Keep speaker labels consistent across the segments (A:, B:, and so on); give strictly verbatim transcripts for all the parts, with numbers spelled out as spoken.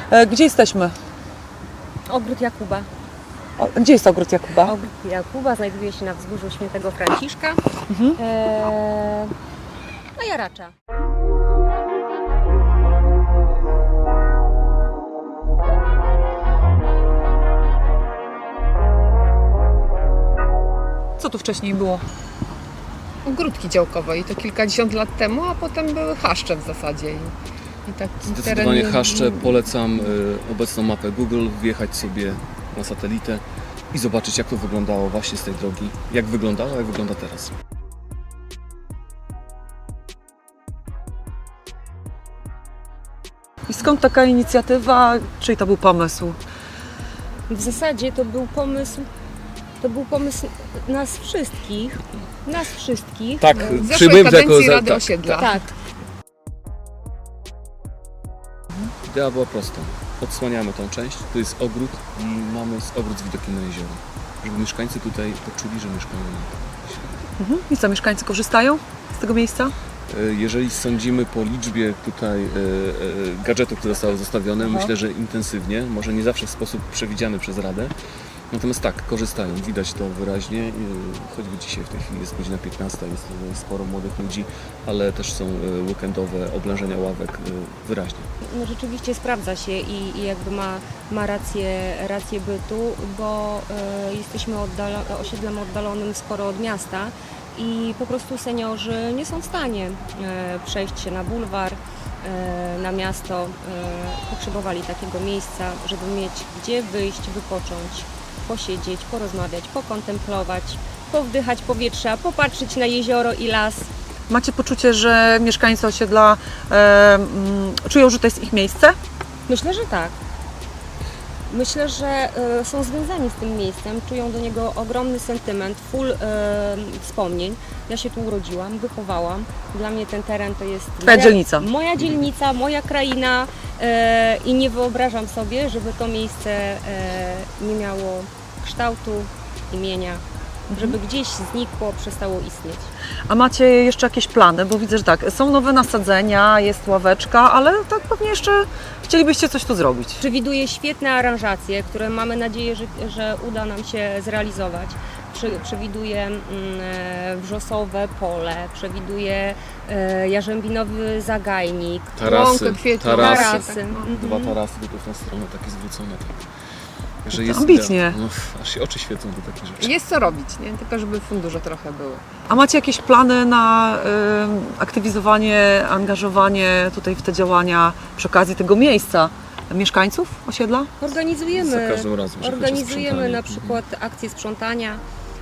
A: E, Gdzie jesteśmy?
B: Ogród Jakuba.
A: O, gdzie jest ogród Jakuba?
B: Ogród Jakuba znajduje się na wzgórzu Świętego Franciszka,
A: Mhm.
B: e, na Jaracza.
A: Co tu wcześniej było?
C: Ogródki działkowe i to kilkadziesiąt lat temu, a potem były chaszcze w zasadzie. I, i taki
D: Zdecydowanie
C: teren-
D: chaszcze. Polecam y, obecną mapę Google, wjechać sobie na satelitę i zobaczyć, jak to wyglądało właśnie z tej drogi. Jak wyglądało, jak wygląda teraz.
A: I skąd taka inicjatywa? Czyj to był pomysł?
B: W zasadzie to był pomysł, to był pomysł nas wszystkich, nas wszystkich.
D: Tak,
B: E,
C: w zeszłej
D: przyjmujemy to jako
C: kadencji
D: za-
C: Rady
D: tak.
C: Osiedla.
B: tak.
D: Idea była prosta. Odsłaniamy tą część, to jest ogród i mamy z ogród z widokiem na jezioro. Żeby mieszkańcy tutaj poczuli, że mieszkają na tym.
A: Mhm. I co, mieszkańcy korzystają z tego miejsca?
D: Jeżeli sądzimy po liczbie tutaj e, e, gadżetów, które zostały zostawione,
A: Aha.
D: myślę, że intensywnie, może nie zawsze w sposób przewidziany przez Radę. Natomiast tak, korzystają, widać to wyraźnie, e, choćby dzisiaj w tej chwili jest godzina piętnasta, jest tutaj sporo młodych ludzi, ale też są e, weekendowe oblężenia ławek e, wyraźnie.
B: No rzeczywiście sprawdza się i, i jakby ma, ma rację, rację bytu, bo e, jesteśmy oddalo, osiedlem oddalonym sporo od miasta i po prostu seniorzy nie są w stanie e, przejść się na bulwar, e, na miasto. E, potrzebowali takiego miejsca, żeby mieć gdzie wyjść, wypocząć, posiedzieć, porozmawiać, pokontemplować, powdychać powietrza, popatrzeć na jezioro i las.
A: Macie poczucie, że mieszkańcy osiedla e, mm, czują, że to jest ich miejsce?
B: Myślę, że tak. Myślę, że e, są związani z tym miejscem, czują do niego ogromny sentyment, full e, wspomnień. Ja się tu urodziłam, wychowałam. Dla mnie ten teren to jest
A: Twoja dzielnica.
B: moja dzielnica, moja kraina e, i nie wyobrażam sobie, żeby to miejsce e, nie miało kształtu, imienia, żeby gdzieś znikło, przestało istnieć.
A: A macie jeszcze jakieś plany? Bo widzę, że tak, są nowe nasadzenia, jest ławeczka, ale tak pewnie jeszcze chcielibyście coś tu zrobić.
B: Przewiduje świetne aranżacje, które mamy nadzieję, że, że uda nam się zrealizować. Prze, przewiduje mm, e, wrzosowe pole, przewiduje e, jarzębinowy zagajnik,
D: Tarasy,
C: Łąkę, kwietną,
D: tarasy,
B: tarasy.
C: tak, no.
D: dwa
B: Mhm.
D: tarasy tylko w tę stronę, takie zwrócone. Tak. Że
A: To
D: jest
A: ambitnie.
D: idea. No, aż się oczy świecą do takich rzeczy.
C: Jest co robić, nie? Tylko żeby fundusze trochę były.
A: A macie jakieś plany na y, aktywizowanie, angażowanie tutaj w te działania przy okazji tego miejsca mieszkańców osiedla?
B: Organizujemy,
D: Za każdym razem, że chodzi o
B: organizujemy
D: sprzątanie.
B: na przykład akcje sprzątania,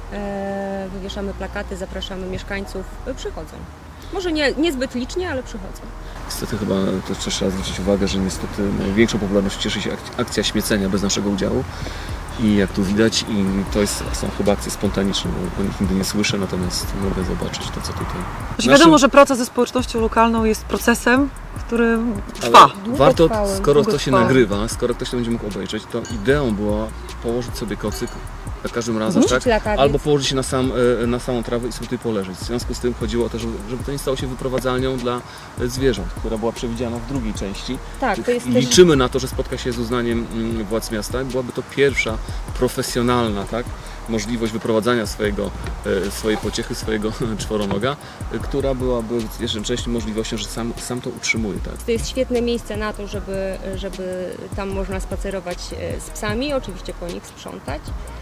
B: e, wywieszamy plakaty, zapraszamy mieszkańców, e, przychodzą. Może nie, niezbyt licznie, ale przychodzą.
D: Niestety chyba też trzeba zwrócić uwagę, że niestety największą popularnością cieszy się ak- akcja śmiecenia bez naszego udziału. I jak tu widać, i to jest, są chyba akcje spontaniczne, bo o nich nigdy nie słyszę, natomiast mogę zobaczyć to, co tutaj.
A: Znaczy,
D: Naszym-
A: wiadomo, że praca ze społecznością lokalną jest procesem, który trwa.
D: Ale warto,
B: Długotrwałym,
D: skoro to się
A: długotrwałym.
D: nagrywa, skoro ktoś to będzie mógł obejrzeć, to ideą było położyć sobie kocyk za każdym razem,
B: Wrzucić
D: tak?
B: latawiec.
D: Albo położyć się na, sam, e, na samą trawę i sobie tutaj poleżeć. W związku z tym chodziło o to, żeby, żeby to nie stało się wyprowadzalnią dla e, zwierząt, która była przewidziana w drugiej części.
B: Tak, to jest
D: I
B: też
D: liczymy na to, że spotka się z uznaniem mm, władz miasta. Byłaby to pierwsza profesjonalna, tak, możliwość wyprowadzania swojego, e, swojej pociechy, swojego czworonoga, e, która byłaby jednocześnie możliwością, że sam, sam to utrzymuje. Tak.
B: To jest świetne miejsce na to, żeby, żeby tam można spacerować e, z psami, oczywiście po nich sprzątać.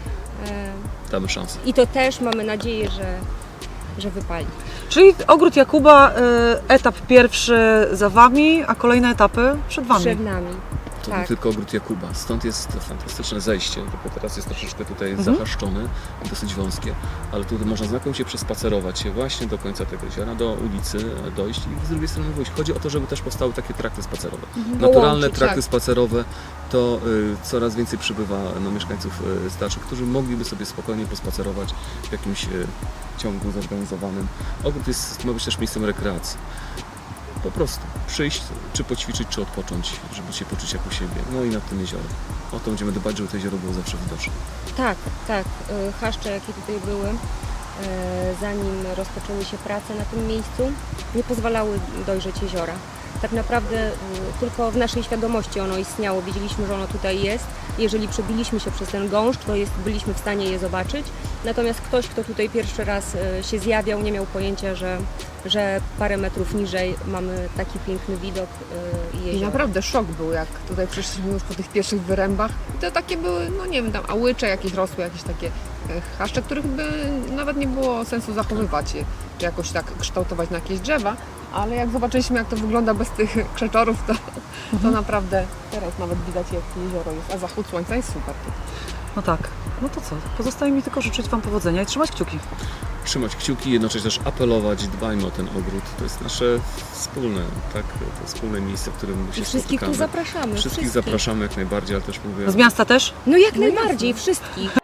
B: E,
D: Damy szansę.
B: I to też mamy nadzieję, że, że wypali.
A: Czyli ogród Jakuba, y, etap pierwszy za Wami, a kolejne etapy przed Wami.
B: Przed nami.
D: To
B: Tak.
D: nie tylko ogród Jakuba. Stąd jest fantastyczne zejście, tylko teraz jest troszeczkę tutaj
A: Mhm.
D: zahaszczone, dosyć wąskie, ale tutaj można znakomicie przespacerować się właśnie do końca tego jeziora, do ulicy dojść i z drugiej strony wyjść. Chodzi o to, żeby też powstały takie trakty spacerowe. Naturalne
B: Połączyć,
D: trakty
C: tak.
D: spacerowe to y, coraz więcej przybywa no, mieszkańców y, starszych, którzy mogliby sobie spokojnie pospacerować w jakimś y, ciągu zorganizowanym. Ogród jest, ma być też miejscem rekreacji. Po prostu przyjść, czy poćwiczyć, czy odpocząć, żeby się poczuć jak u siebie. No i nad tym jeziorem. O to będziemy dbać, żeby to jezioro było zawsze widoczne.
B: Tak, tak. E, Chaszcze, jakie tutaj były, e, zanim rozpoczęły się prace na tym miejscu, nie pozwalały dojrzeć jeziora. tak naprawdę y, tylko w naszej świadomości ono istniało, wiedzieliśmy, że ono tutaj jest. Jeżeli przebiliśmy się przez ten gąszcz, to jest, byliśmy w stanie je zobaczyć. Natomiast ktoś, kto tutaj pierwszy raz y, się zjawiał, nie miał pojęcia, że, że parę metrów niżej mamy taki piękny widok y, i
C: I
B: jezioro.
C: naprawdę szok był, jak tutaj przyszliśmy już po tych pierwszych wyrębach. I to takie były, no nie wiem, tam ałycze jakieś rosły, jakieś takie e, chaszcze, których by nawet nie było sensu zachowywać, je, czy jakoś tak kształtować na jakieś drzewa. Ale jak zobaczyliśmy, jak to wygląda bez tych krzeczorów, to, to naprawdę teraz nawet widać, jak jezioro jest, a zachód słońca jest super.
A: No tak. No to co? Pozostaje mi tylko życzyć Wam powodzenia i trzymać kciuki.
D: Trzymać kciuki, jednocześnie też apelować, dbajmy o ten ogród. To jest nasze wspólne, tak, to wspólne miejsce, w którym się
B: I wszystkich tu
D: spotykamy.
B: zapraszamy.
D: Wszystkich zapraszamy jak najbardziej, ale też mówię...
A: Z miasta też?
B: No jak najbardziej, wszystkich.